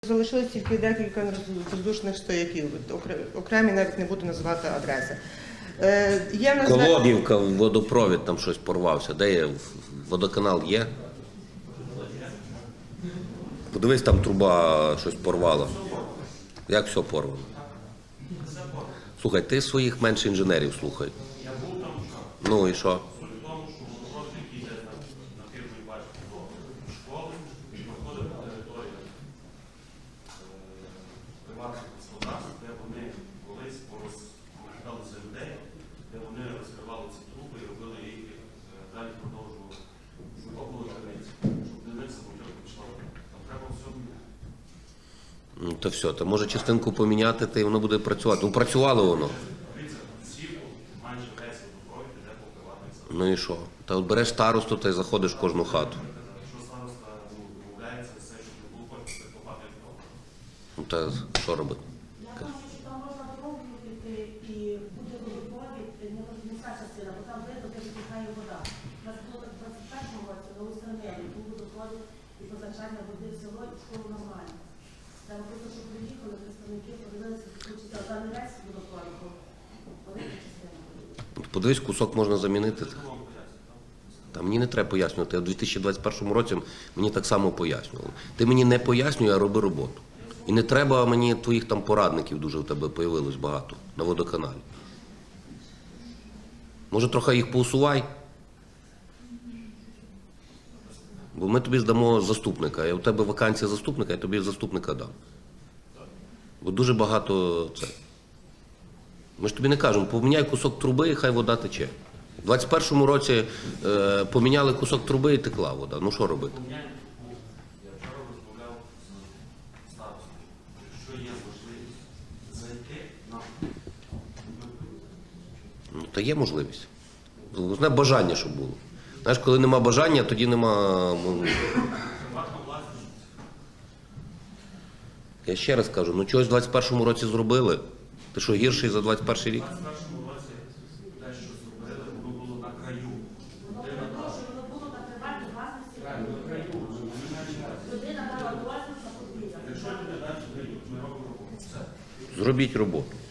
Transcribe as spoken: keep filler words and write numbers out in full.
Залишилось тільки декілька воздушних стояків, окремі навіть не буду називати адреси. Е, є в нас... Колодівка, водопровід там щось порвався. Де є? Водоканал є? Подивись, там труба щось порвала. Як все порвано? Слухай, ти своїх менше інженерів слухай. Ну і що? Де вони колись порозповідали за людей, де вони розкривали ці труби і робили їх, далі продовжували. Закопували криниці, щоб для них самотьок пішла. Там треба все міняти. Ну то все, то може частинку поміняти, та й воно буде працювати. Ну працювало воно. Дивіться, сівку майже весь водопровід іде по приватних садах. Ну і що? Та от береш старосту та й заходиш в кожну хату. Якщо староста домовляється, все, щоб не було потім, це копати як добре. Ну та що робити? Я думаю, що там можна дорогу піти і буде водопровід, не вся частина, бо там видно, де витікає вода. У нас було так в двадцять першому році, на Устерневі, був водопровід і позначання води в село і в школу нормально. Там просто, що приїхали, представники подивилися, що там не весь водопровід, бо велика частина. Подивись, кусок можна замінити. Та мені не треба пояснювати. Я в дві тисячі двадцять першому році мені так само пояснювали. Ти мені не пояснюй, а роби роботу. І не треба мені твоїх там порадників, дуже в тебе появилось багато на водоканалі. Може, трохи їх поусувай? Бо ми тобі здамо заступника. Я у тебе вакансія заступника, я тобі заступника дам. Бо дуже багато це. Ми ж тобі не кажемо, поміняй кусок труби і хай вода тече. У двадцять першому році е, поміняли кусок труби і текла вода. Ну що робити? Я вчора розмовляв з старостою, що є можливість зайти на Ну, та є можливість. Головне бажання, щоб було. Знаєш, коли нема бажання, тоді нема... ну, приватну власність. Я ще раз кажу, ну чогось в двадцять першому році зробили. Ти що, гірший за двадцять перший рік? У двадцять першому році те, що зробили, воно було на краю. Воно продовжує, воно було на приватній власності. Людина дала дозвіл на подвір'я. Якщо люди далі дають, ми робимо роботу. Все. Зробіть роботу.